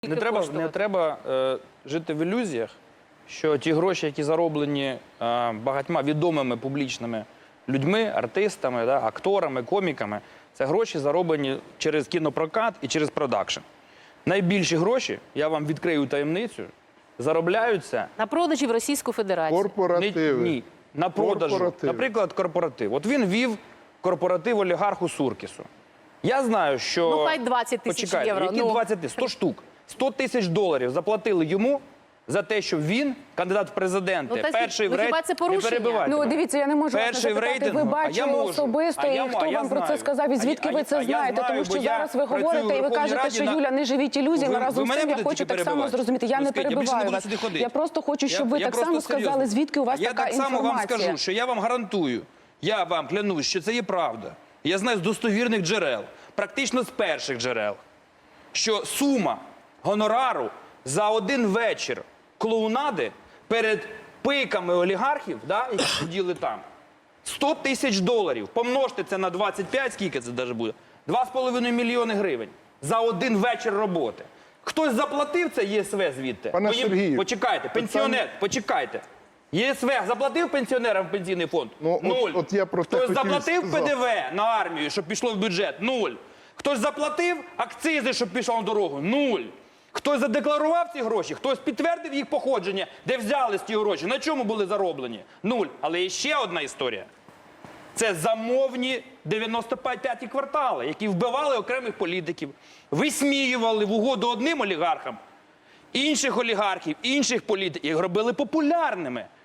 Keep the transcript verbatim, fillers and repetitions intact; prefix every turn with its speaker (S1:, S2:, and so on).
S1: Не треба, не треба е, жити в ілюзіях, що ті гроші, які зароблені е, багатьма відомими публічними людьми, артистами, да, акторами, коміками, це гроші зароблені через кінопрокат і через продакшн. Найбільші гроші, я вам відкрию таємницю, заробляються...
S2: На продажі в Російську Федерацію.
S3: Корпоративи.
S1: Ні, на продажу.
S3: Корпоративи.
S1: Наприклад, корпоратив. От він вів корпоратив олігарху Суркісу. Я знаю, що...
S2: Ну, хай двадцять тисяч
S1: Почекайте,
S2: євро.
S1: які
S2: Ну.
S1: двадцять? сто штук. сто тисяч доларів заплатили йому за те, що він, кандидат в президенти,
S2: Ну, та
S1: перший
S2: ну,
S1: в рейтингу...
S2: хіба це порушення?
S1: Не перебивайте
S4: Ну,
S1: мене.
S4: дивіться, я не можу вас не
S1: Перший в
S4: запитати, ви
S1: рейтингу, а я
S4: бачили
S1: можу.
S4: особисто,
S1: А я
S4: і
S1: ма-
S4: хто
S1: я
S4: вам про це
S1: знаю.
S4: сказав, і звідки
S1: А
S4: ви
S1: я-
S4: це
S1: а я
S4: знаєте,
S1: знаю,
S4: тому
S1: бо
S4: що
S1: я
S4: зараз ви
S1: працюю
S4: говорите,
S1: в
S4: і ви
S1: Верховній
S4: кажете,
S1: Раді
S4: що
S1: на-
S4: Юля, не живіть ілюзіями,
S1: Ви- ви
S4: разом з
S1: мене
S4: тим я
S1: будете
S4: хочу
S1: тільки
S4: так само
S1: перебивати?
S4: зрозуміти. Я
S1: Ну,
S4: не
S1: скажіть, я більше не
S4: перебиваю
S1: буду
S4: вас.
S1: сюди ходити.
S4: Я просто хочу, щоб
S1: Я-
S4: ви
S1: я
S4: так
S1: просто
S4: само
S1: серйозно.
S4: сказали, звідки у вас
S1: я
S4: така
S1: так само вам
S4: інформація.
S1: скажу, що я вам гарантую, я вам клянусь, що це є правда. Я знаю з достовірних джерел, практично з перших джерел, що сума гонорару за один вечір клоунади перед пиками олігархів, да, які сиділи там, сто тисяч доларів. Помножте це на двадцять п'ять, скільки це даже буде? два з половиною мільйони гривень за один вечір роботи. Хтось заплатив це ЄСВ звідти?
S3: Пане
S1: Бо їм-
S3: Сергію,
S1: Почекайте, пенсіонер, почекайте. ЄСВ заплатив пенсіонерам в пенсійний фонд?
S3: Ну, от-
S1: Нуль.
S3: от я про те
S1: Хтось
S3: хотів
S1: заплатив
S3: сказати.
S1: ПДВ на армію, щоб пішло в бюджет? Нуль. Хтось заплатив акцизи, щоб пішло на дорогу? Нуль. Хтось задекларував ці гроші, хтось підтвердив їх походження, де взялись ті гроші, на чому були зароблені? Нуль. Але є ще одна історія. Це замовні дев'яносто п'яті квартали, які вбивали окремих політиків, висміювали в угоду одним олігархам, інших олігархів, інших політиків, їх робили популярними.